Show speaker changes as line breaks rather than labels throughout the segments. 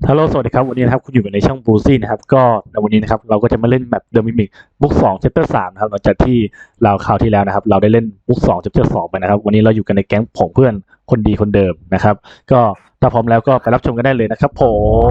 ฮัลโหลสวัสดีครับวันนี้นะครับคุณอยู่ในช่องบูซี่นะครับก็ในวันนี้นะครับเราก็จะมาเล่นแบบเดอะมิมิกบุ๊ก2 Chapter 3นะครับหลังจากที่เราคราวที่แล้วนะครับเราได้เล่นบุ๊ก2 Chapter 2ไปนะครับวันนี้เราอยู่กันในแก๊งผงเพื่อนคนดีคนเดิมนะครับก็ถ้าพร้อมแล้วก็ไปรับชมกันได้เลยนะครับผม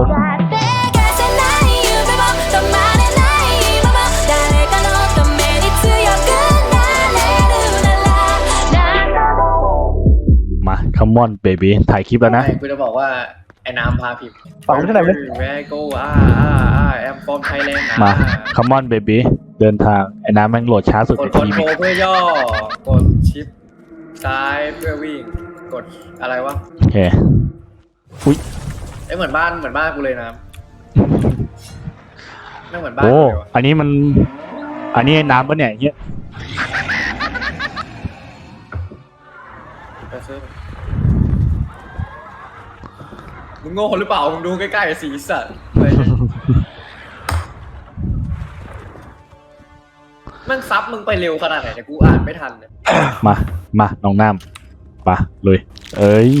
มา come on baby ถ่ายคลิปแล้วนะ
กูจะบอกว่าไอ้น้ำพาผิด
ฟังไม่ได้ไหม
แม่กูแอมฟอร์มไทยแลนด์
มา come on baby เดินทางไอ้น้ำแม่งโหลดช้าสุด
ก
ใน
ดคอน
ที
โทร
ม
เพื่อย่อกดชิปซ้ายเพื่อวิ่งกดอะไรวะ
โอเคอุ้ย
เหมือนบ้านกูเลยนะไม่เหมือนบ้าน
โอ้
กูเลยวะ
อันนี้ไอ้น้ำปะเนี่ยเงี้ย
ไปซื้อมึงโง่หรือเปล่ามึงดูใกล้ๆสีสันอะไรเนี่ยมันซับมึงไปเร็วขนาดไหนเนี่ยกูอ่านไม่ทันเนี่ย
มาน้องน้ำปะเลยเอ้ย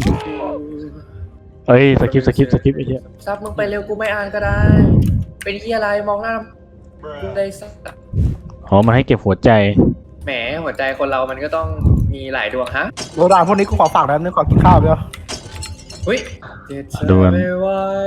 สคริปต์ไอ้เหี้ย
ซับมึงไปเร็วกูไม่อ่านก็ได้ เป็นที่อะไรมองหน้ากูได้สัก
อ๋อมันให้เก็บหัวใจ
แหมหัวใจคนเรามันก็ต้องมีหลายดวงฮะ
โรดานพวกนี้กูขอฝากนะนึกขอกินข้าวเดียว
อุ้ยเจ็ดเธอไม่ไหว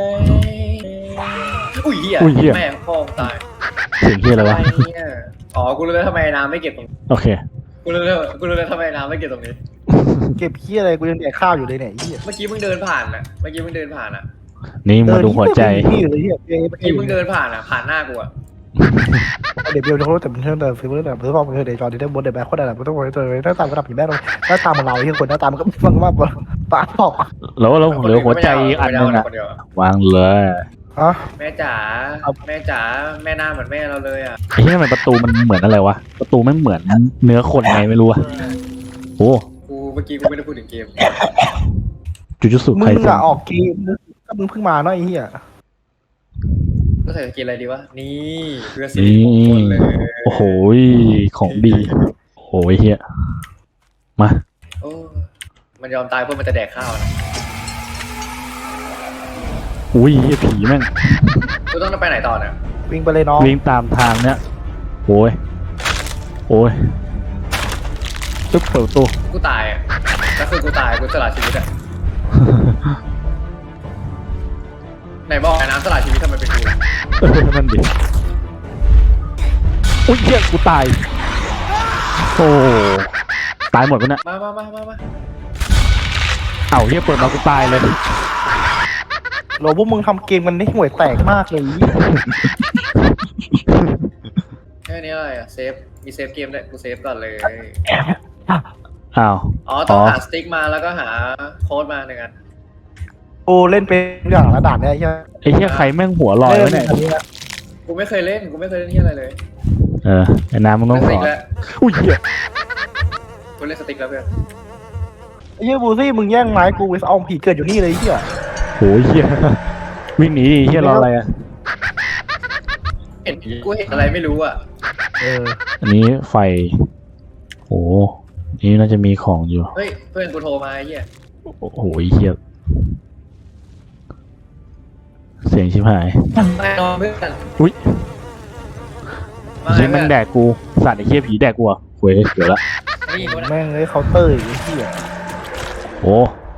อุ้ยเหี้ยแม่พ่อตาย
เสียงเหี้ยอะไรวะ
เนี่ยอ๋อกูรู้แล้วทำไมน้ำไม่เก็บตรงนี้
โอเค
กูรู้แล้วทำไมน้ำไม่เก็บตรงนี้
เก็บขี้อะไรกูยังแดกข้าวอยู่เลยเนี่ยไอ้เหี้ย
เมื่อกี้มึงเดินผ่านอ่ะอ่ะ
นี่มาดูหัวใจ
ขี้อยู่เลยเหี้ย
เมื่อกี้มึงเดินผ่านอ่ะผ่านหน้ากูอ่ะ
เดี๋ยวเดี๋ยวเขาแต่เป็นเรื่องเดิมฟิลเรื่องแบบเพื่อบอกเพื่อเดี๋ยวจอดีได้บนเดี๋ยวแบกคนอะไรไม่ต้องไปตัวหน้าตาระดับผีแม่เลยหน้าตาเหมือนเราที่คนหน้าตามันก็ฟังว่าปากออก
แล้วเหลือหัวใจอันนึงอะวางเลย
ฮะ
แม่จ๋าแม่หน้าเหมือนแม่เราเลยอ่ะ
ไอ้เหี้ยทำไมประตูมันเหมือนอะไรวะประตูไม่เหมือนเนื้อคนไงไม่รู้อะโอ้
เมื่อกี้กูไม่ได้พูดถึงเกม
จูจูสุ
มึ
ไค
ง
เซ็น
อะออกเกมก็มึงเพิ่งมาเนาะไอ้เหี้ย
ก็ใส่เกมอะไรดีวะนี่เพื่อสิริมงคลเลย
โอ้โหของดีโอ้โหเหี้ยมา
โอ้มันยอมตายเพื่อมันจะแดกข้าวนะ
อุ้ยเหี้ยผีแม่ง
กูต้องไปไหนต่อเนี่ย
วิ่งไปเลยน้อง
วิ่งตามทางเนี้ยโอ้ยตึ๊บเปิดประตู
กูตายอ่ะก็คือกูตายกูสละชีวิตอ่ะไหนบอกไอ้น้ำสละชีวิตทำไมเป็นกูล่ะ
นั่นดิอุ้ยเหี้ยกูตายโอ้ตายหมดปะเนี่ย
มา
เอ้าเหี้ยเปิดมากูตายเลย
โลพวกมึงทำเกมกันได้ห่วยแตกมากเลย
แค่นี้อะไรอ่ะเซฟมีเซฟเกมด้วยกูเซฟก่อนเลย
อ้าว
อ๋อต้องหาสติ๊กมาแล้วก็หาโค้ดมาหนึ่งอัน
กูเล่นเป็นอย่างระดับเนี่ยไอ้เหี้ย
ไอ้เหี้ยใครแม่งหัวลอยวะเนี่ย
กูไม่เคยเล่นที่อะไรเลย
ไอ้น้ำมึงต้อง
ส
ส
ติ๊
อก น
แล้ว
อุ้ยเหี้ย
กูเล่นสติ๊กแล้วเพื่อน
ไอ้เหี้ยบูซี่มึงแย่งไม้กูไปเอาผีเกิดอยู่นี่เลยไอ้เหี้ย
โหเหี้ยวิ่งหนีดิเหี้ยรออะไรอ่ะ
กูเห็นอะไรไม่รู้อ่ะ
อันนี้ไฟโอ้นี่น่าจะมีของอยู่
เฮ้ยเพื่อนกูโทรมาไอ้เหี้ย
โอ้โหเหี้ยเสียงชิบหาย
ไม่นอนเพื่อน
อุ้ย
มา
เหี้ยแม่งแดกกูสัตว์ไอ้เหี้ยผีแดกกูอ่ะเว้ยเดี๋ยวละ
นี่กูนะ
แม่งเลยเคาน์เตอร์ไอ้เหี้ย
โอ้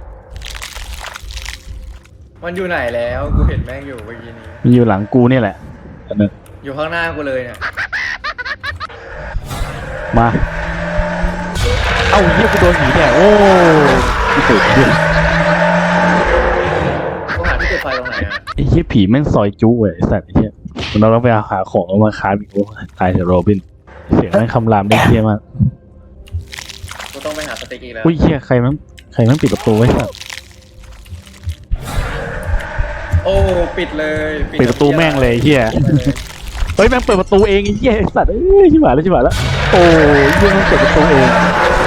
มันอยู่ไหนแล้วกูเห็นแม่งอยู่เมื่อกี้นี้
มันอยู่หลังกูนี่แหละอันนึง
อยู่ข้างหน้ากูเลยเนี่ย
มาเอ้าเหี้ยกูโดนผีแดกโอ้กูเกิดเหี้ย
กูหาที่จุดไฟตรงไหนอ่ะ
ไอ้เหี้ยผีแม่งซอยจุ้เว้ยไอ้สัตว์ไอ้เหี้ยเราต้องไปหาของเอามาค้าอีกโอ้ตายเถอะโรบินเสียงแม่งคำรามได้เหี้ยมาก
กูต้องไปหาสติ๊กอีกแล้ว
อุ้ยเหี้ยใครแม่งปิดประตูไว้สัตว์
โอ้ปิดเลย
ปิดประตูแม่งเลยเหี้ยเฮ้ยแม่งเปิดประตูเองไอ้เหี้ยไอ้สัตว์เอ้ยชิบหายแล้วโอ้ยเหี้ยแม่งเปิดประตูเอง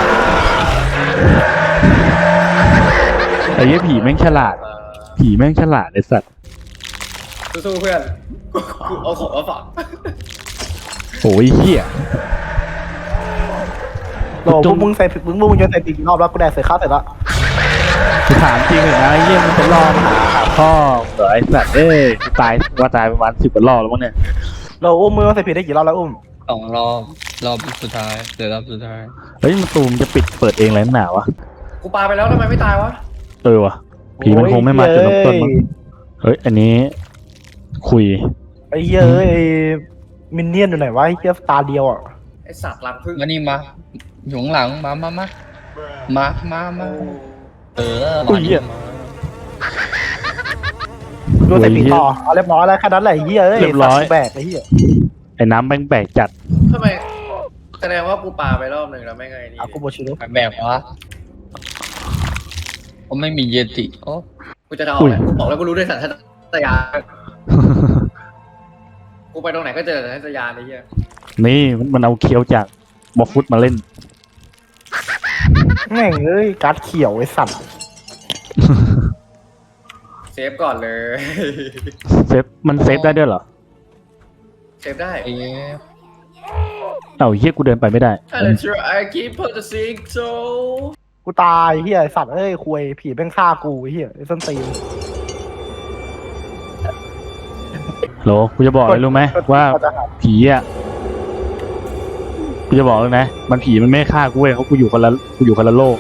ไอ้เหี้ยผีแม่งฉลาดไอ้สัตว์
สู้ๆเพื่อนกูเอาของมาฝาก
โอ้ยเหี้ย
โลพวกมึงใส่มึงโยนใส่ปีกรอบแล้วกูแดกเสร็จข้าวเสร็จแล้ว
กูถามจริงเหรอนะไอ้เหี้ยมันจะล่อมาหาพ่อเหรอไอ้สัตว์กูตายว่าตายประมาณ10 กว่ารอบแล้วมั้งเนี่ย
เราอุ้มมือใส่ผิดได้กี่รอบแล้วอุ้ม
2 รอบสุดท้ายเหลือรอบสุดท้าย
เฮ้ยมันตูมจะปิดเปิดเองอะไรนักหนาวะ
กูปาไปแล้วทำไมไม่ตายวะ
วะผีมันคงไม่มาจุดเริ่มต้นมั้งเฮ้ยอันนี้คุย
ไอ้เหี้ยไอ้มินเนี่ยนอยู่ไหนวะไอ้เหี้ยตาเดียวอ่ะ
ไอสัตว์รังพึ่ง
มานี่มาอยู่ข้างหลังมาเออ
อุ้ยเหี้ย
ดูใส่ผิดต่อเอาเรียบร้อยแล้วแค่นั้นแหละไอ้เหี้ยแบกไอ้เหี้ย
ไอ้น้ำแบกจัด
ทำไมแสดงว่ากูปาไปรอบหนึ่งแล้วไม่ไงนี่
อากูโบชิโร่
แบบวะผมไม่มีเยติโอ้
กูจะเดาแหละกูบอกแล้วกูรู้ด้วยสัญชาตญาณกูไปตรงไหนก็เจอสัญชาตญาณไอ้เหี้ย
นี่มันเอาเคียวจากบอฟุตมาเล่น
แม่งเอ้ยการ์ดเขียวไอ้สัตว์
เซฟก่อนเลย
มันเซฟได้ด้วยเหรอ
เซฟได้
เอ๊ะ
เอ้าเฮียกูเดินไปไม่ได้
I'm sure I keep purchasing so
กูตายเหี้ยไอ้สัตว์เอ้ยคุยผีแม่งฆ่ากูไอ้เหี้ยไอ้ส้นตีน
โหลกูจะบอกเลยรู้ไหมว่าผีอ่ะกูจะบอกเลยนะมันผีมันไม่ฆ่ากูเว้ยเขากูอยู่คนละโลก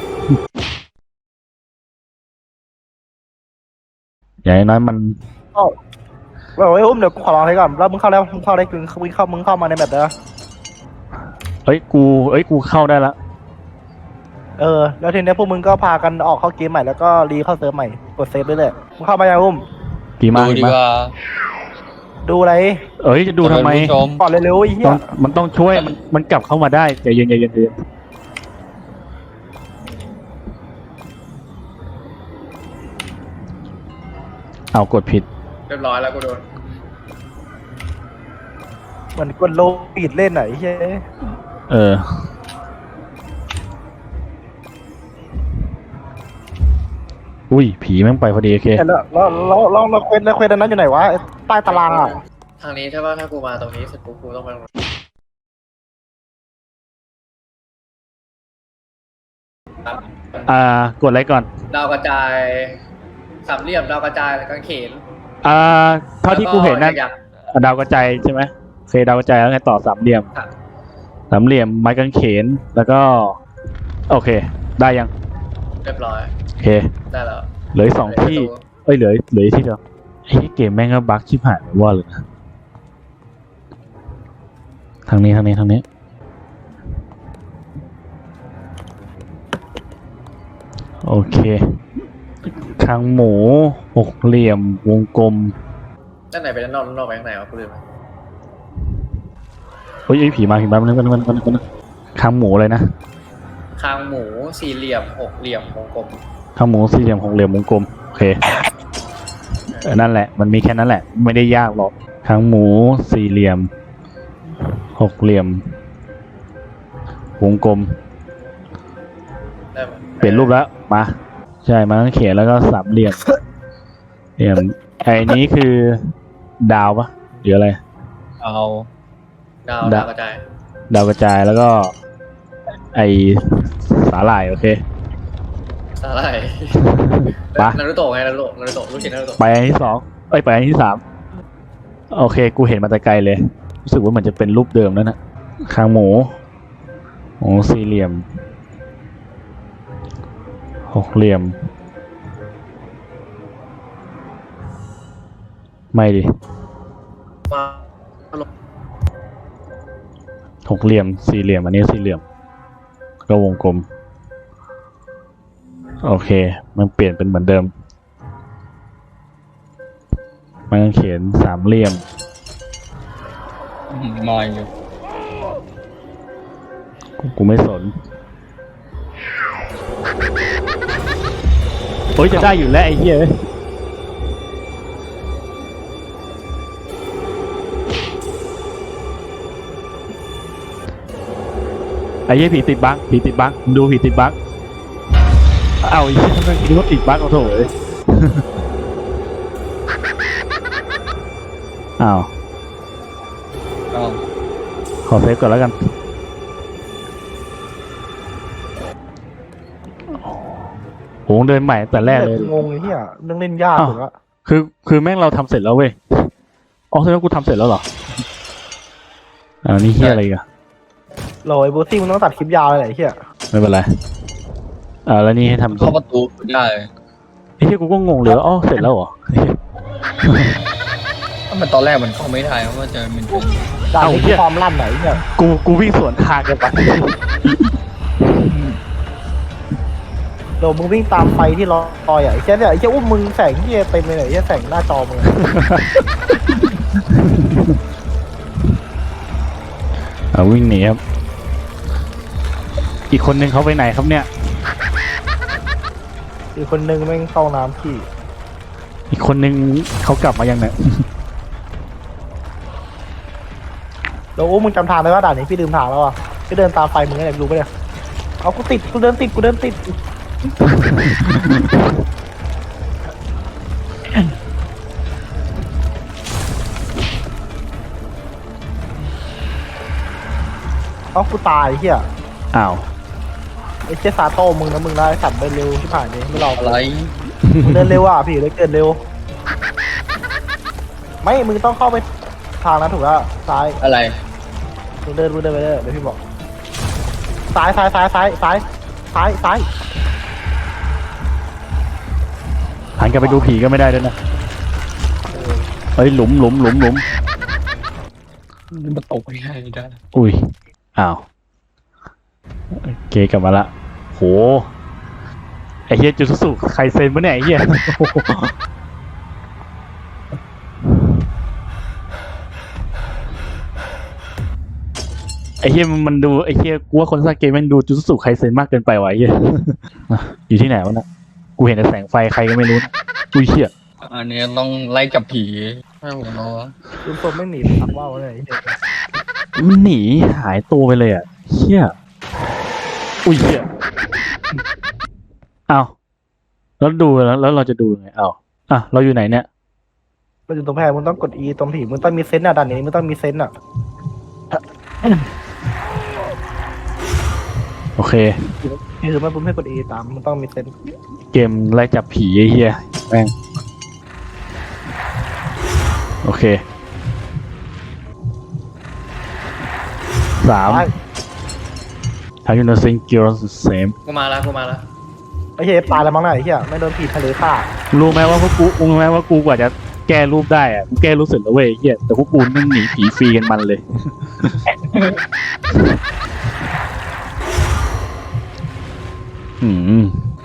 อย่างน้อยมัน
บอกไอ้อุ้มเดี๋ยวกูขอลองให้ก่อนแล้วมึงเข้าได้มึงเข้ามาในแบบเด้อ
เอ้ยกูเข้าได้ละ
แล้วทีนี้พวกมึงก็พากันออกเข้าเกมใหม่แล้วก็รีเข้าเซิร์ฟใหม่กดเซฟไปเลยมึงเข้ามายังอุ้ม
ผีมา
ดูดีกว่า
ดูอะไร
เอ้ยจะดูทำไม
ท่านผู้ชม
ก่อนเร็วๆไอ้เหี้
ต้
ย
องมันต้องช่วยมันกลับเข้ามาได้ใจเย็นเอากดผิด
เรียบร้อยแล้วกูโดน
เหมือนกดโลปิดเล่นไหนเฮ้ย
อุ้ยผีแม่งไปพอดีโอเค
แล้วเควสอันนั้นอยู่ไหนวะใต้ตารางอ่ะ
ทางนี้ใช่ป่ะถ้ากูมาตรงนี้เสร็จปุ๊บกูต้องไปตรงนั้น
กดอะไรก่อน
ดาวกระจายสามเหลี่ยมดาวกระจายกางเขน
เท่าที่กูเห็นนั่น
ยักษ์
ดาวกระจายใช่ไหมโอเคดาวกระจายแล้วไงต่อสามเหลี่ยม
ค่ะ
สามเหลี่ยมไม้กางเขนแล้วก็ โอเค ได้ยัง
เรียบร้อย
โอเค
ได้แล้ว
เหลืออีก2 ที่เอ้ยเหลืออีกที่เดียวไอ้เกมแม่งก็บั๊กชิบหายว่าเลยนะทางนี้โอเคทางหมู6 เหลี่ยมวงกลม
ด้านไหนไปด้านนอกไปข้างในวะกูลืม
เฮ้ยไอ้ผีมามันทางหมูเลยนะ
คางหมูสี่เหลี่ยมหกเหลี่ยมวงกลม
ทางหมู4 เหลี่ยม6 เหลี่ยมวงกลมโอเคนั่นแหละมันมีแค่นั้นแหละไม่ได้ยากหรอกทางหมู4 เหลี่ยม6 เหลี่ยมวงกลม
ได้ไหม
เปลี่ยนรูปแล้วมาใช่มาเขียนแล้วก็สามเหลี่ยมไอ้นี้คือดาวปะหรืออะไร
เอา
ดาวกระจาย
ดาวกระจายแล้วก็ ไอสาหร่ายโอเค
สาหร่าย
ปะ
นารูโตะไงนารูโตะลูกชิ้นนารูโตะ
ไปอันที่2ไปอันที่3โอเคกูเห็นมาแต่ไกลเลยรู้สึกว่ามันจะเป็นรูปเดิมแล้วนะคางหมู4 เหลี่ยม6 เหลี่ยมไม่ดิ
มา
6 เหลี่ยม4 เหลี่ยมอันนี้4 เหลี่ยมก็วงกลมโอเคมันเปลี่ยนเป็นเหมือนเดิมมันเขียน3 เหลี่ยม
มาอยู่
กูไม่สนโอ้ยจะได้อยู่แล้วไอ้เหี้ยไอ้เหี้ยผีติดบั๊กมึงดูผีติดบั๊กเอ้าไอ้เหี้ยทำไมคิดว่าติดบั๊กเอาโถ่เอ้ย อ้าว
เอา
ขอเซฟก่อนแล้วกันเดินใหม่แต่แรกเลย
งงไอ้เหี้ยเรื่องเล่นยากสุดละ
คือแม่งเราทำเสร็จแล้วเว้ยอ๋อแสดงว่ากูทำเสร็จแล้วเหรอนี่เฮียอะไรอีกัน
โหลไอ้บูซี่มึงต้องตัดคลิปยาวเลยไอ้เหี้ย
ไม่เป็นไรแล้วนี่ให้ทำ
เข้าประตูได้
ไอ้เฮียกูก็งงเลยว่าเสร็จแล้วเหรอ
ถ้ามันตอนแรกมันเข้าไม่ได้เพราะว่าจะมันเป็น
ด่านนี้คือความลั่นไหนเนี่ย
กูวิ่งสวนทางกันไป
โหลมึงวิ่งตามไฟที่ลอยอ่ะไอ้เหี้ยเนี่ยไอ้เหี้ยอุ้มมึงแสงเหี้ยเต็มเลยไอ้เหี้ยแสงหน้าจอมึง
วิ่งหนีครับอีกคนนึงเขาไปไหนครับเนี่ย
อีกคนนึงแม่งเข้าน้ำพี่
อีกคนนึงเขากลับมายังเนี่ย
โหลอุ้มมึงจำทางได้ว่าด่านนี้พี่ลืมทางแล้วอ่ะพี่เดินตามไฟมึงไงรู้ปะเนี่ยเอากูเดินติดเอากูตายเหี้ย
อ้าว
ไอ้เจสซาโต้มึงนะมึงได้สัตว์เดินเร็วชิบหายเลยไม่รอ
อะไร
มึงเดินเร็วอ่ะพี่เลยเกินเร็วไม่มึงต้องเข้าไปทางนั้นถูกแล้วซ้าย
อะไร
มึงเดินไปเรื่อยเดี๋ยวพี่บอกซ้าย
หันกลับไปดูผีก็ไม่ได้ด้วยนะเฮ้ยหลุม
มันตกไม่ได้ได้
อุ้ยอ้าวโอเคกลับมาละโหไอ้เฮียจุดสุใครเซ็นวะเนี่ยไอ้เฮีย ไอ้เฮียมันดูไอ้เฮียกูว่าคนสร้างเกมแม่งดูจุดสุใครเซ็นมากเกินไปวะไอ้เฮีย อยู่ที่ไหนวะนะกูเห็นแต่แสงไฟใครก็ไม่รู้นะอุ้ยเฮีย
อันนี้ต้องไล่จับผีไม่หมดแล้ววะ
คุณผมไม่หนีทักว่าวเลยไอ้เหี้ย
มันหนีหายตัวไปเลยอ่ะเฮียอุ้ยเฮียอ้าวแล้วดูแล้วเราจะดูยังไงอ้าวเราอยู่ไหนเนี่ย
เราอยู่ตรงแพรมึงต้องกด E ตรงผีมึงต้องมีเซนต์อ่ะด่านนี้มึงต้องมีเซนต์อ่ะ
โอเค
คือไม่ปุ๊บให้กด E ตามมึงต้องมีเซนต์
เกมไล่จับผีไอ้เฮียแม่งโอเค3 Have you nothing girls the same
กูมาแล้ว
ไอ้เหี้ยตายแล้วมั้งน่ะไอ้เหี้ยไม่โดนผีทะเลฆ่า
รู้ไหมว่าพวกกูรู้ไหมว่ากูกว่าจะแก้รูปได้อะกูแก้รูปเสร็จแล้วเว้ยไอ้เฮียแต่พวกกูนั่งหนีผีฟรีกันมันเลย อืม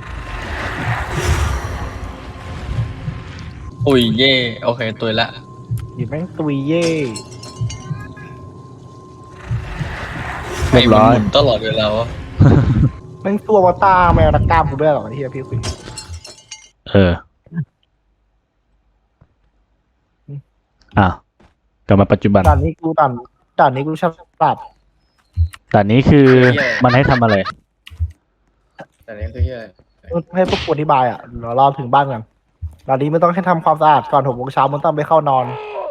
อุ้ยเย่โอเคตัวละ
หยิบแม่งตุยเย่
เรียบร้อย
ให้มันหมุนตลอดเวลาวะ
แม่งตัววาตาแมวนักกล้ามกูด้วยหรอไอ้เหี้ยพี่คุย
กลับมาปัจจุบัน
ด่านนี้กูฉลาด
แต่นี้คือมันให้ทำอะไร
แต่นี่คือเฮียอะไร
ให้พวกกูอธิบายอ่ะเดี๋ยวรอถึงบ้านกันด่านนี้ไม่ต้องให้ทำความสะอาดก่อน 6 โมงเช้ามึงต้องไปเข้านอน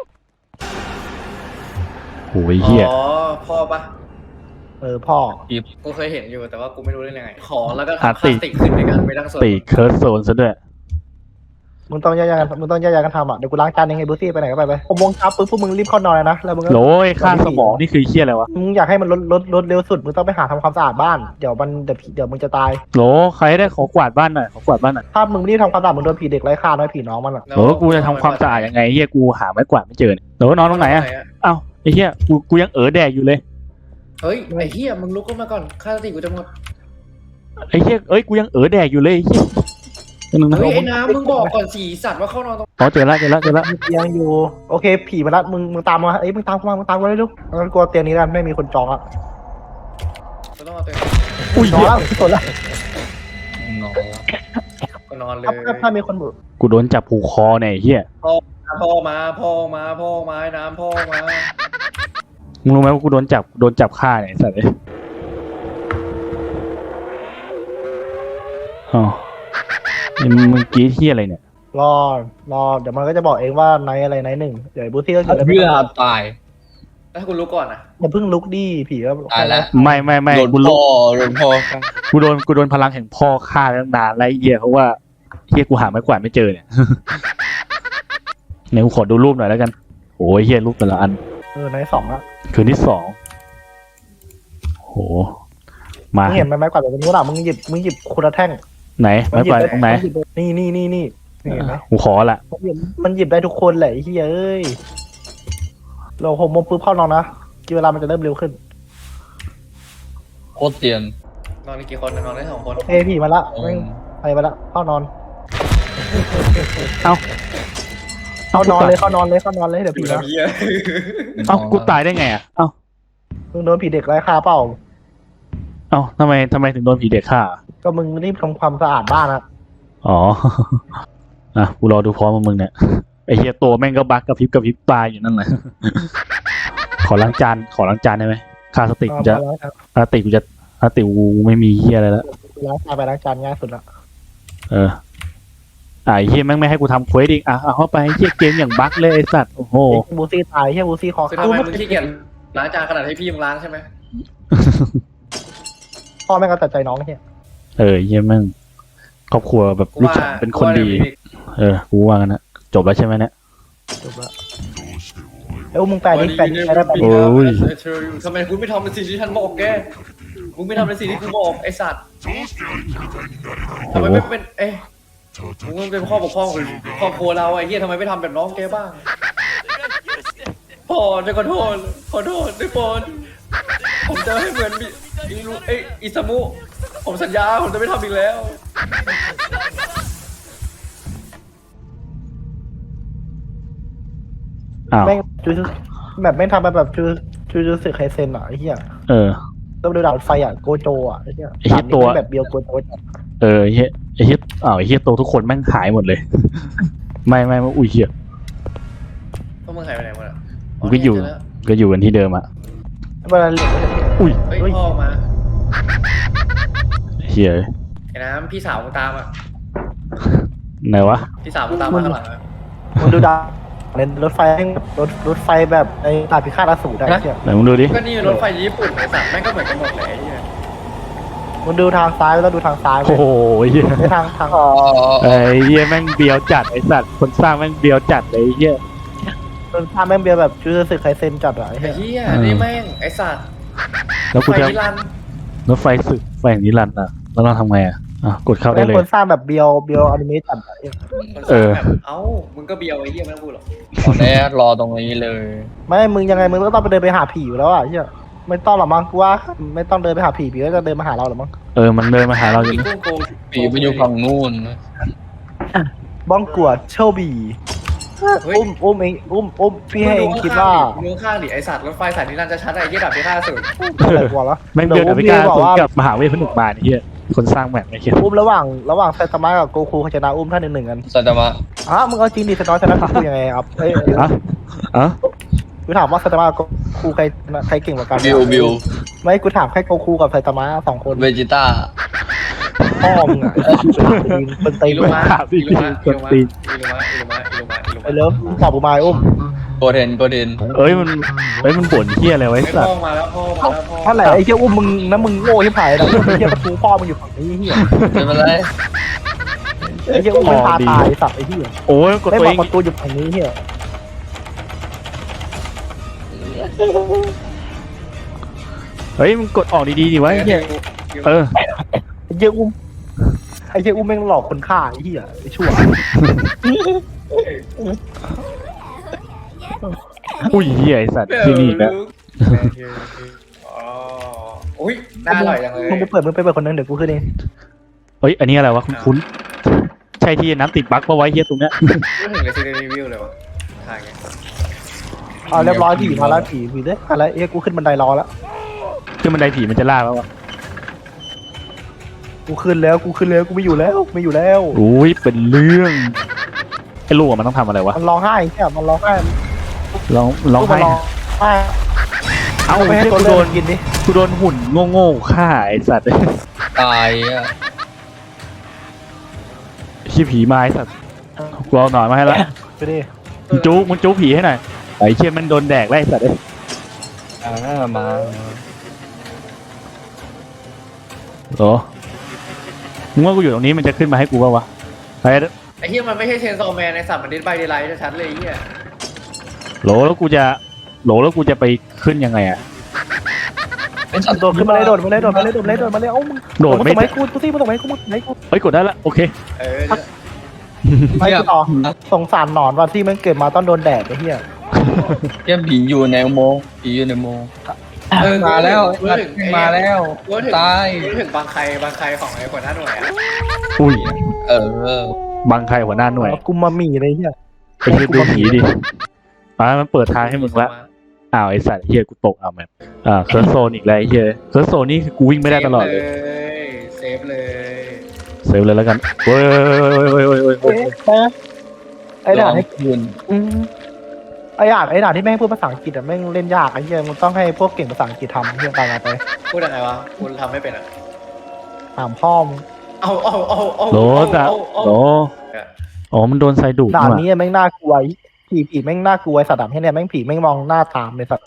โอ้ยเฮีย
อ๋อพ่อปะ
พ่อ
กูเคยเห็นอยู่แต่ว่ากูไม่รู้เล่นยังไงขอแล้วก็ทำพลาสติกขึ้นในการไปตั้งโซน
ตีเคิร์สโซนซะด้วย
มึงต้องแยกๆกันทำอ่ะเดี๋ยวกูล้างจานเองไงบูซี่ไปไหนก็ไป6 โมงเช้าปุ๊บพวกมึงรีบเข้านอนเลยนะแล้วมึงก็
โหลยค่าสมองนี่คือเฮียอะไรวะ
มึงอยากให้มันลดเร็วสุดมึงต้องไปหาทำความสะอาดบ้านเดี๋ยวมึงจะตาย
โหลใครได้ขอกวาดบ้านหน่อยขอกวาดบ้านหน่อย
ถ้ามึงไม่รีบทำความสะอาดมึงโดนผีเด็กไร้ค่าน้อยผีน้องมันอ่ะ
โหลกูจะทำความสะอาดยังไงเฮียกูหาไม้กวาดไม่เจอเนี่ยโหลนอนตรงไหนอะเอ้าไอ้เฮียกูยังแดกอยู่เลย
เฮ้ยไอ้เฮียมึงลุกขึ้นมาก่อนค่าสติกูจะหมด
ไอ้เฮียกูยังแดกอยู่เลยไอ้เฮียนึงนะ
เฮ้ยไอ้น้ำมึงบอกก่อนสีสัตว์ว่าเข้านอนตรง
อ๋อเจอละ
มีเตียงอยู่โอเคผีมาละมึงตามมามึงตามกูเลยลูกงั้นกลัวเตียงนี้แล้วไม่มีคนจองอ่ะ
กูต้องเอาตัว
อุ้ย
จอ
เฮี
ง
ย
แล้วสดแล้ว
งอ
กูนอนเลย
ถ้ามีคนบุ
กูโดนจับผูกคอเนี่ยไอ้เฮีย
พ่อมาไอ้น้ำพ่อมา
มึงรู้ไหมว่ากูโดนจับฆ่าเนี่ยไอ้สัตว์เอ้ยอ๋อมึงกรีดเฮียอะไรเนี่ย
รอ เดี๋ยวมันก็จะบอกเองว่าไนท์อะไรไนท์หนึ่งเดี๋ยวบูซี่ก็
เพื่อตาย
แล้วถ้าคุณรู้ก่อนนะ
อย่าเพิ่งลุกดิผีก็
ตายแล้ว
ไม่
โดน
กู
พ่
รู้
อโดนพ่อ
กูโดนพลังแห่งพ่อฆ่าตั้งนานแล้วไอ้เหี้ยเพราะว่าเหี้ยกูหาไม้กวาดไม่เจอเนี่ย เนี่ยกูขอดูรูปหน่อยแล้วกันโอ้ยเหี้ยรูปแต่ละอัน
ในสองละ
คืนที่สองโหมา
มึงเห็นไหมไม้กวาดแบบนี้หรอมึงหยิบคนละแท่ง
ไหนไม้กวาดตรงไหน
นี่เห็นไหม
กูขอละ
มันหยิบได้ทุกคนแหละไอ้เหี้ยเอ้ยเราหกโมงปุ๊บเข้านอนนะกี่เวลามันจะเริ่มเร็วขึ้น
โคตรเตียน
นอนได้กี่คนนอนได้2 คน
เอ้ยผีมาละแม่งไปมาละเข้านอน
เอ้า
เข้านอนเลยเข้านอนเลยเดี๋ยว
ดู
ผี
แล
นะ
พี่อะ
เอ้ากูตายได้ไงอ่ะเอ้า
มึงโดนผีเด็กไล่ฆ่าเปล่า
เอ้าทำไมถึงโดนผีเด็กฆ่า
ก็มึงรีบทำความสะอาดบ้านนะ
อ๋อ อ่ะกูรอดูพร้อมกับมึงเนี่ยไอเฮียตัวแม่งก็บักกระพริบตายอยู่นั่นแหละ ขอล้างจานได้ไหมค่าสติกูจะสติกูไม่มีเฮียอะไรแล้ว
ล้างจานไปล้างจานง่ายสุดละ
ไอเฮียแม่งไม่ให้กูทำเควสอีกอ่ะเอาเข้าไปเฮียเกมอย่างบักเลยไอสัตว์โอ้โห
บูซี่ตายเฮียบูซี่คอ
คือทำไมมึงขี้เกียจล้างจานขนาดให้พี่มึงล้างใช่ไหม
พ่อแม่งก็ตัดใจน้องเฮีย
เฮียแม่งครอบครัวแบบ
กู
ลูก
ว่า
ชายเป็นคนดี
กูว่า
กูว่ากันนะจบแล้วใช่ไหมเนี่ย
จบละแล้วมึงแปลดิใช้ได้ปะ
โอ้ย
ทำไมคุณไม่ทำในสิ่งที่ฉันบอกแกมึงไม่ทำในสิ่งที่กูบอกไอ้สัตว์ทำไมไม่เป็นมึงเป็นข้อบกพร่องของครอบครัวเราไอ้เหี้ยทำไมไม่ทำแบบน้องแกบ้างพ่อจะขอโทษทุกคนผมจะให้เหมือนอิซามุผมสัญญาผมจะไม่ทำอีกแล้ว
อ้าว
แม่งแบบแม่งทำแบบจูสึไคเซนอ่ะไอ้เหี้ย ต้องดูดาวไฟอ่ะโกโจอ่ะไอ้เหี้ย
ไอ้เหี้ยตัว
แบบเบียวโกโจ
ไอ้เฮียอ้าวไอ้เฮียโตทุกคนแม่งหายหมดเลย ไม่อุ้ยเฮีย
พวกมึงหายไปไหนหมดอ่ะ
กูก็อยู่กันที่เดิมอ่ะ
เวลาเหลือ
อุ้ย
เฮ้ยพ่อมา
เฮีย
ไอ้น้ำพี่สาวมึงตามอ่ะ
ไหนวะ
พี่สาวมึงตามมาข้างหลังอ่ะ
มึงดูดาวในรถไฟแม่งรถไฟแบบไอ้ตาพิฆาตอสูรได้ไอ้เหี้ย
ไหนมึงดูดิ
ก็นี่รถไฟญี่ปุ่นไอ้สัตว์แม่งก็เหมือนกันหมดเลยไอ้เหี้ย
มึงดูทางซ้ายแล้วดูทางซ้าย
โอ้โหเฮีย
ไม่ทาง
ไอ้เฮียแม่งเบียวจัดไอ้สัตว์คนสร้างแม่งเบียวจัดเลยไอ้เฮีย
ทางแม่งเบียวแบบจูสึไคเซนจัดอะไอ้
ไอ้
เหี้ย
เหี้ยนี่แม่งไอ้สัตว์
แล้วกู
ไฟ
จะ
นิรันดร์
รถไฟสึกไฟแห่งนิรันดร์อ่ะแล้วเราทำไงอ่ะกดเข้าได้
แม่ง
เลย
คนสร้างแบบเบียวอนิเมะจัดอะไอ้เหี้ย
คนสร้างแบบเอ้ามึงก็เบียวไอ้เหี้ยไม่ต้องพูดหรอก
ตอนนี้รอตรงนี้เลย
ไม่มึงยังไงมึงก็ต้องไปเดินไปหาผีอยู่แล้วอ่ะไอ้เหี้ยไม่ต้องหรอกมั้งกูว่าไม่ต้องเดินไปหาผีก็จะเดินมาหาเราหรอมั้ง
มันเดินมาหาเราอยู่
ผี
นะ
กุ้งโกง
ปีไปอยู่ฝั่งนู่น
บ้องกวดเชลบีอุ้มเองอุ้มพี่ให้เองคิดว่า
มึงข้างดิไอ้สัตว์รถไฟสายนิรันดร์จะชัดไอ้เหี้ยดับที่5 0
อะไรกว่าแล้ว
แม่งเดินอเมริกาสวนกับมหาเวทพนึกมาไอ้เฮียคนสร้างแบบไอ้เฮีย
อุ้มระหว่างไซตามะกับโกคูเขาชนะอุ้มท่านหนึ่งกัน
สัตมะ
มึงเอาจริงดิไซตามะชนะโกคูยังไงครับเอ้ย กูถามว่าไซตามะกับโกคูใครเก่งกว่ากัน
บิว
ไม่กูถามแค่โกคูกับไซตามะ2 คน
เวจิต้า
พ่อมึงอ่ะเป็นตี
อี
น
ลูมาอีลูมาอีลูมาอีลูมาอีลูมาอีลูมา
ไอ้เลิฟตอบกูมาอุ้ม
โกเทน
มันบ่นเฮียอะไรไว้
ไอ้
สัต
พ่อ
ว์
มาแล้วพ่อมาแล้วพ่อ
ท่านไหนไอ้เหี้ยอุ้มมึงนะมึงโง่ที่ผายนะไอ้เหี้ยประตูพ่อมึงอยู่ฝั่งนี้เหี้ย
ไม่เป็นไร
ไอ้เหี้ยอุ้มมันพาตายสัตว์ไอ้เหี้ย
โอ้ยกด
ไม่
ตัว
บ
เอ
อก
ง
ประตูอยู่ฝั่งนี้เหี้ย
เฮ้ยมึงกดออกดีๆดิวะไอ้เฮีย
ไอ้เหี้ยอุ้มแม่งหลอกคนฆ่าไอ้เหี้ยไอ้ชั่ว
อุ้ยเฮียไอ้สัตว์ที่นี่นะ
อุ้ยน่าอร่อยจังเลย
มึงไปเปิดคนนึงเดี๋ยวกูขึ้นเอง
เฮ้ยอันนี้อะไรวะคุ้นใช่ที่น้ำติดบั๊กปะไว้เฮียตรงเนี้ย
ไม่ถึงเลยซีรีวิวเลยวะถ่ายไง
เรียบร้อยผีมาแล้วผีเด้มาแล้วเอ้ยกูขึ้นบันไดรอแล้ว
ขึ้นบันไดผีมันจะล่าแล้ววะ
กูขึ้นแล้วกูไม่อยู่แล้ว
อุ้ยเป็นเรื่องไอ้ลูกมันต้องทำอะไรวะ
มันร้องไห้เนี่ยมันร้องไห้
ร้อง
ลูก
ไห้
มันร้องไห้
เอ้า
ไปให้
เฮีย
ตัว
กู
เลื
โด
อน กินดิ
กูโดนหุ่นโง่ๆฆ่าไอ้สัตว์
ตายอ่ะ
ขี้ผีมาไอ้สัตว์กูเอาหน่อยมาให้ละ
ไปดิ
มึงจู้ผีให้หน่อยไอ้เชี่ยมันโดนแดกแล้วไอ้สัตว์
มา
เหรอมึงว่ากูอยู่ตรงนี้มันจะขึ้นมาให้กูป่าวะไอ้
ไอ้เหี้ยมันไม่ใช่เชนซอแมนในสัตว์มันดิสไบเดไลท์ชัดเลยไอ้เหี้ย
โหลแล้วกูจะไปขึ้นยังไงอะ
โดดขึ้นมาเลยโดดมาเลยโดดมาเลยโดดมาเลยโดดมาเลยเอ้ามึง
โดดไม่
ส่งให้กูสิมึงส่งให้กูมึงให้กู
เฮ้ยกดได้ละโอเค
เออ
ไปกูต่อสงสารหนอนว่าที่มันเกิดมาต้องโดนแดดไอ้เหี้ย
เยี่ยผีอยู่ในอุโมงค์ผีอยู่ในอุโมงค์
เออ
มาแล้ว
กูถึง
มาแล้ว
กูถึง
ตาย
กูถึงบางใครของไอ้หัวหน้าหน่วยอะ
อุ้ย
เออ
บังใครหัวหน้าหน่วย
กูมาหมี่เลยเหี้ย
ไปเฮียดูผีดิมันเปิดทางให้มึงละอ้าวไอสัตว์เฮียกูตกเอาแมปเคิร์สโซนอีกแล้วไอ้เฮียเคิร์สโซนนี่คือกูวิ่งไม่ได้ตลอดเลย
เซฟเลย
เซฟเลยแล้วกันเว้ย
ไอ้ด่านให้
ยืน
ไอ้ด่านที่แม่งพูดภาษาอังกฤษอะแม่งเล่นยากไอ้เหี้ยมึงต้องให้พวกเก่งภาษาอังกฤษทำเหี้ยตายมาไป
พูดยังไงวะคุณทำไม่เป็นอ่ะ
ถามพ่อมึง
เอา
โหลจ้ะโหลอ๋อมันโดนไซดูด
ด่าน
ว่ะ
นี้แม่งน่ากลัวผีแม่งน่ากลัวไอ้สัตว์ด่านที่เนี่ยแม่งผีแม่งมองหน้าตามเลยสัตว์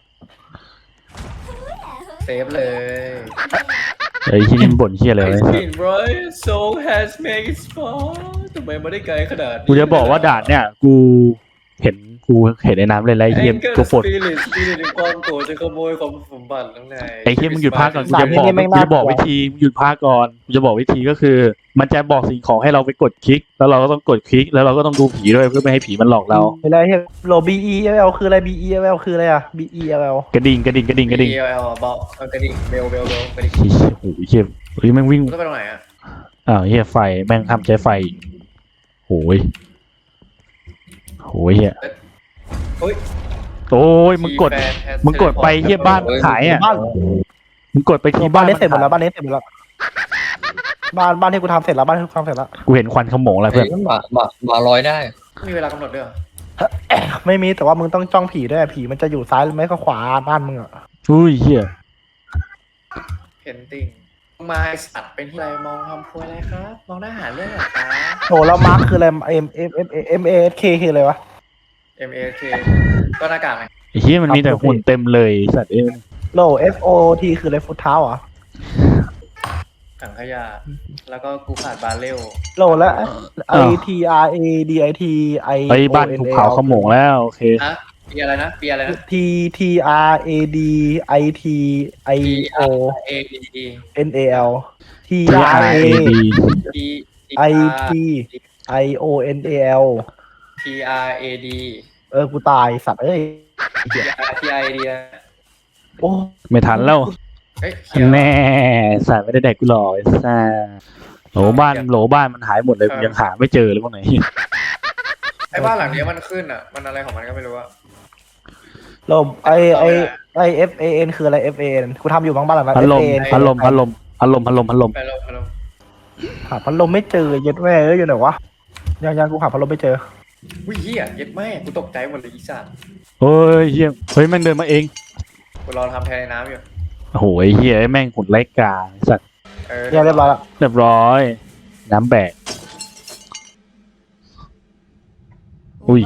เซฟเลย
ไอ้ที่นี่มันบ่นเฮียอะไร
ไอ้
ไว้
สกินไรโซล has made its fall ทำไมไม่ได้ไกลขนาดนี้
กูจะบอกว่าด่านเนี่ยกูเห็นในน้ำเลยไรเฮียกูปวด
สปิริตความโกรธจะขโมยความสมบัติข้างใน
ไอ้เฮียมึงหยุดพากก่อนกูจะบอกวิธีมึงหยุดพากก่อนกูจะบอกวิธีก็คือ มันจะบอกสิ่งของให้เราไปกดคลิก แล้วเราก็ต้องกดคลิกแล้วเราก็ต้องดูผีด้วยเพื่อไม่ให้ผีมันหลอกเรา
เวลาเฮียโล BEL คืออะไร BEL คืออะไรอะ BEL
กระดิ่ง
EL บอกกระดิ่งเบลกระดิ่ง
โอ้โหเฮียเฮ้ยแม่งวิ่ง
ต้องไปตรงไหนอ่ะ
เฮียไฟแม่งทำใช้ไฟโอ้ยเฮีย
เฮ้ย
โอ้ยมึงกดไปเฮียบ้านขายอ่ะ
บ้าน
มึงกดไปที่
บ้า
บ้าน น
นี้เสร็จหมดแล้วบ้านนี้เสร็จหมดแล้วบ้านที่กูทำเสร็จแล้วบ้านที่กูทำเสร็จแล้ว
กูเห็นควันขโมงอะไรเพื่อน
มาลอยได้
มีเวลากำหนดด้วยเหรอ
ไม่มีแต่ว่ามึงต้องจ้องผีด้วยผีมันจะอยู่ซ้ายหรือไม่ก็ขวาบ้านมึงอะ
อุ้ยเฮีย
เพนติ้งมาสัตว์เป็นที่ไรมองทำครัวอะไรครับมองหน้าหาเรื่องเหรอคะ
โหแล้วมาร์คคืออะไร MASK คืออะไรวะ
MAK ก็หน้ากากไง
ไอ้เฮียมันมีแต่หุ่นเต็มเลยสัตว์เอ้ย
โล FOT คืออะไรฟุตเท้าเหรอ
ถังขยะแล้วก็กูขาดบาเรล
โลแล้ว ITRADIT I
ไปบ้านถูกเผาขโมงแล้วโอเค
ฮะปีอะไรนะ
TRADIT IO
AD
NAL
TRAD
TRAITIONAL
TRAD
กูตายสัตว์เอ้ย
TRAD
โอ้
ไม่ทันแล้ว
เฮ้ย
แน่สัตว์ไม่ได้แดกกูหรอกไอ้ซ่าโหลบ้านมันหายหมดเลยกูยังหาไม่เจอเลยพวกไหน
ไอ้บ้านหลังนี้มันขึ้นอ่ะมันอะไรของมันก็ไม่รู้อะ
ลมFAN คืออะไร FAN กูทำอยู่บางบ้านหลังนั้น
พัดลม
FAN
พัดลมพัดลมพัดลมพัดลมพัดลม
ไปลง
หาพัดลมไม่เจอเย็ดแม่เอ้ยอยู่ไหนวะยังกูหาพัดลมไม่เจอ
วิ่งเหี้ยเย็ดแม่กูตกใจหมดเลยอีสัตว์
เฮ้ยเฮียเฮ้ยแม่งเดินมาเอง
กูรอทำแทนในน้ำอยู่
โอ้โหไอ้เฮียแม่งหุ่นไร้กาไอ้สัตว์
เรียบร้อยละ
เรียบร้อยน้ำแบกอุ้ย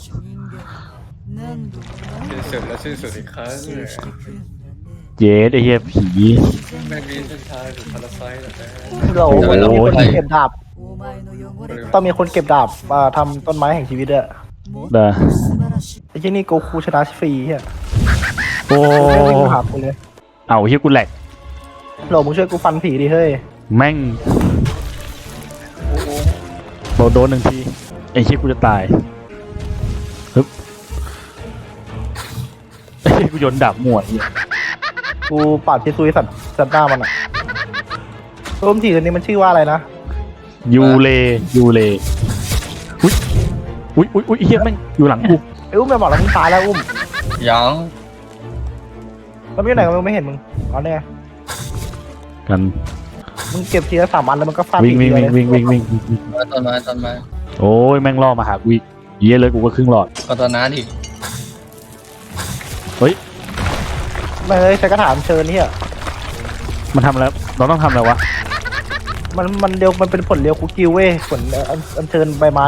สิ้นสุดและสิ้นสุดอีกครั้งเลย
เย็ดไอ้เฮียผี
ไม่มีเส้นทางถึงพาราไซต์หรอกนะ
เรา
โอ้โห
ต้องมีคนเก็บดาบต้องมีคนเก็บดาบมาทำต้นไม้แห่งชีวิตอะ
เด้อ
ไอ้ที่นี่โกคูชนะฟรีเฮีย
โอ้
ไม่วิ่งมาหากูเลย
เอาเฮียกูแหลก
โหลมึงช่วยกูฟันผีดิเฮ้ย
แม่งโดนหนึ่งทีไอ้เฮียกูจะตายฮึบไอ้เฮียกูโยนดาบมั่วเฮีย
กูปาดพิซุยสัตว์หน้ามันอะร่มผีตัวนี้มันชื่อว่าอะไรนะ
ยูเลอุ้ยเฮียแม่งอยู่หลังกู
ไอ้อุ้มจะบอกแล้วมึงตายแล้วอุ้ม
ยัง
แล้วมึงอยู่ไหนมึงไม่เห็นมึงอ๋อเนี่ย
กัน
มึงเก็บทีละ3 อันแล้วมันก็ฟาด
วิ่ง
ผี
วิ่ง
เดียว
วิ่ง
เลย
วิ่งวิ่งวิ่ง
ต้นไม้
โอ้ยแม่งล่อมาหากูอีกเหี้ยเลยกูก็ครึ่งหลอด
ก็ต้นน้าดิ
ไม่เลยใช้กระถางเชิญเนี่ย
มันทำแล้วเราต้องทำอะไรวะ
มันเดียวมันเป็นผลเรียวคุกกิ้วเว้ยผลอันเชิญใบไม้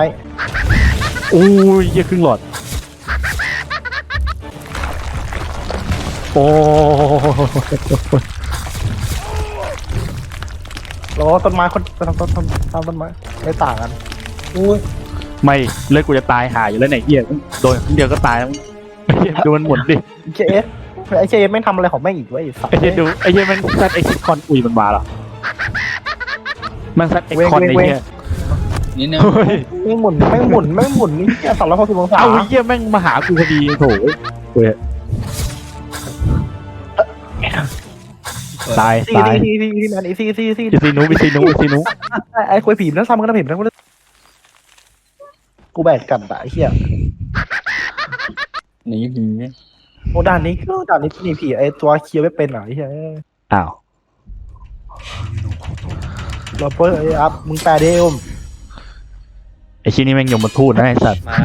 โอ้ยเหี้ยครึ่งหลอดโอ้
แล้วต้นไม้คนทำต้นไม้ไม่ต่างกัน
ไม่เลือดกูจะตายหายอยู่แล้วไหนเหี้ยโดนครั้งเดียวก็ตายแล้วไอ้เหี้ยดูมันหมุนดิ
เจฟไอเจฟไม่ทำอะไรของแม่งอีกวะไอ้สัตว์
ไอ้เหี้ยดูไอ้เหี้ยมันซัดเอ็กซ์คอนอุ้ยมันมาเหรอมันซัดเอ็กซ์คอนไอ้เหี้ย
นิดนึง
เฮ้ย
แม่งหมุนนี่แค่360 องศา
เอาไอ้เหี้ยแม่งมาหากูพอดีโถเว้ยตาย
ซี
ตาย
ซีแมนซี
อีซีนูอีซีนูอีซีนู
ไอ้คุยผีนั่นซ้ำกันนะผีนั่นกูแบกกันไอ้เหี้ย
หนีผี
โอ้ด่านนี้นี่ผีไอ้ตัวเคียวไม่เป็นไอ้เหี้ย
อ้าว
เราเพิ่งไอ้อัพมึงแปลเดิม
ไอ้ชิ้นนี้แม่งยมมาทูตนะไอ้สัตว์
มา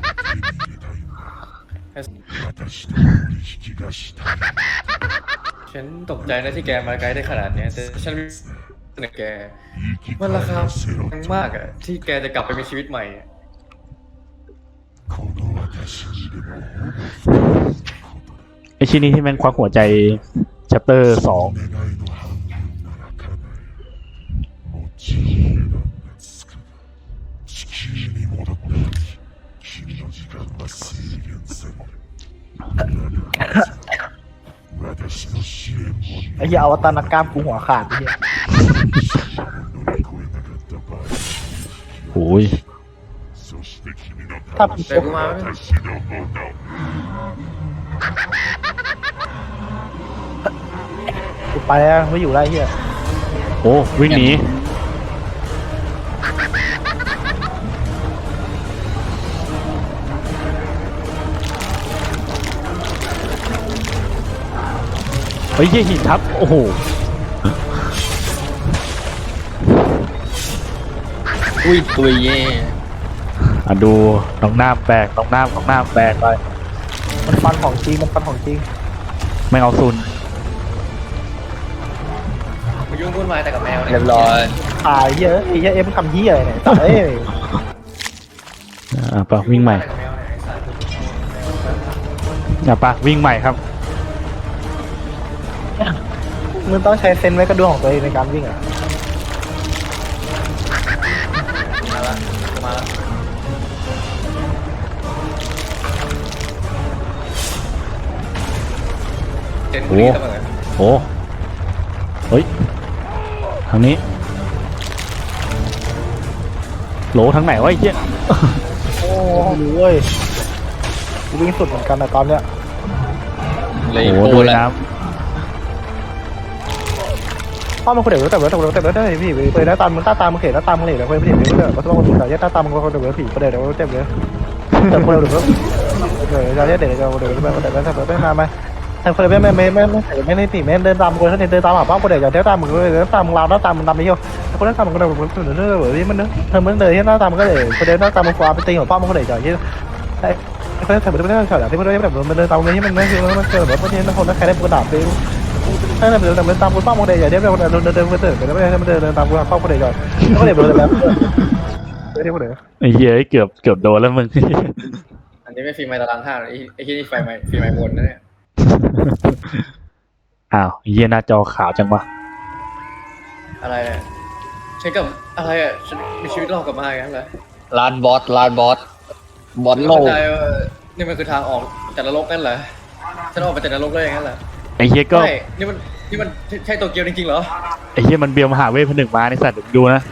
ฉันตกใจนะที่แกมาไกลได้ขนาดเนี้ยแต่ฉันเนี่ยแกมันราคาแพงมากอะที่แกจะกลับไปมีชีวิตใหม่อะ
ไอ้ชิ้นนี้ที่แม่งควักหัวใจชัปเตอร์2
ไอ้เหี้ยอวตารนักกล้ามกูหัวขาดไอ้เหี้ย
โอ้ย
ถ้า
เดี๋ยวกูมาไหม
กูไปแล้วไม่อยู่แล้วไอ้เหี้ย
โอ้วิ่งหนีเฮ้ยเหี้ยหินทับโอ้โห
อุ้ยตัวเย่
อ่ะดูน้องน้ำแบกน้องน้ำแบกไป
มันฟันของจริง
ไม่เอาซุน
มายุ่งวุ่นวายแต่กับแมวเนี่ย
เรียบร้อย
ตายเหี้ยไอ้เหี้ยเอ็มทำเหี้ยอะไรเนี่ยเอ้ย
อ่ะปะวิ่งใหม่
แต่กับแมวเนี่ยไอ้สัตว์
อ่ะปะวิ่งใหม่ครับ
มึงต้องใช้เซนส์ไว้กระดวงของตัวเองในการวิ่งอ่ะ
มาละกูมาละเห็นกูนี่เสมอ
โอ้เฮ้ยทางนี้โหลทางไหนวะไอ้เหี้ย
โอ้รู้เว้ยกูวิ่งสุดเหมือนกันนะตอนเนี้ย
เลย
โอ้
โค
โหดู
แล้ว
น้
พ่อมันคนเดียวแต่ได้พี่ไปได้ตามมึงตามมึงเข็นแล้วตามมึงเหลวแล้วไปพี่เดี๋ยวก็ต้องมาดูแต่ยัดตามมึงคนเดียวผีคนเดียวเจ็บเลยแต่คนเดียวเดี๋ยวเราเดี๋ยวไม่มาไหมทางคนเดียวไม่ได้ผีไม่เดินตามคนเดินตามหาป้าคนเดียวเดี๋ยวตามมึงเลยตามมึงเราตามมึงตามไปเที่ยวคนนั้นตามมึงคนเดียวเรื่อยๆมันเนอะเธอมึงเดินที่หน้าตามมึงก็เลยคนเดินหน้าตามมึงฟ้าไปตีของป้ามึงคนเดียวที่คนนั้นทำไม่ได้เฉยที่คนเดินแบบมันเดินตามมึงที่มันไม่คือมันเจอแบบว่าที่คนนั้นใครได้กระดาษไปถ้าเดินตามคุณป้าโมเดลอย่าเดินเดินตามคุณป้าโมเดลก่อนก็เดินแบบเดินโมเดล
ำไอ้เหี้ยเกือบโดนแล้วมึง
อันนี้ไม่ฟีไมตารางท่าไอ้ที่นี่ฟีไมบนนะเนี่ย
อ้าวไอ้เหี้ยหน้าจอขาวจังวะ
อะไรเนี่ยฉันกับอะไรอ่ะฉันมีชีวิตรอดกลับมาอย่างนั้นเหรอ
ลานบอสบอสโล
เข้าก ใจว่านี่มันคือทางออกจากนรกนั่นเหรอฉันออกมาจากนรกได้อย่างนั้นเหรอ
ไอ้เหี้ยก็
ใช่นี่มันใช่โตเกียวจริงๆเหรอ
ไอ้เหี้ยมันเบียวมหาเวทผนึกมาในสัตว์เดี๋ยวดูนะ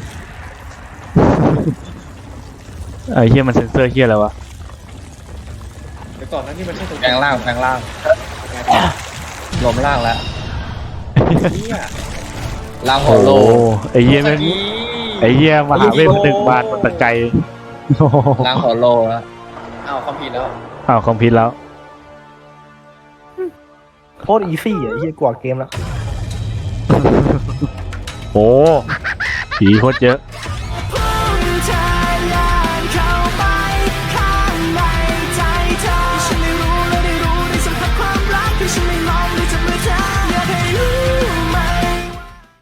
ไอ้เหี้ยมันเซ็นเซอร์เหี้ยอะไรวะ
เดี๋ยวก่อนนะนี่มันใช่โต
แป
เกี
ล
ยว
งร่างรวมร่างแล้ว
เนี่ย
ร่างหั
โอ้
วโล
ไอ้เหี้ยแม่งไอ้เหี้ยมหาเวทผนึกบานมันตะไกลโอ้โห
ร่างหัวโลแล้ว
อ้าวความผิดแล้ว
อ้าวคอมพิวแล้ว
โคตรอีซี่อ่ะที่กว่าเกมแล้ว
โอ้ผีโคตรเยอะ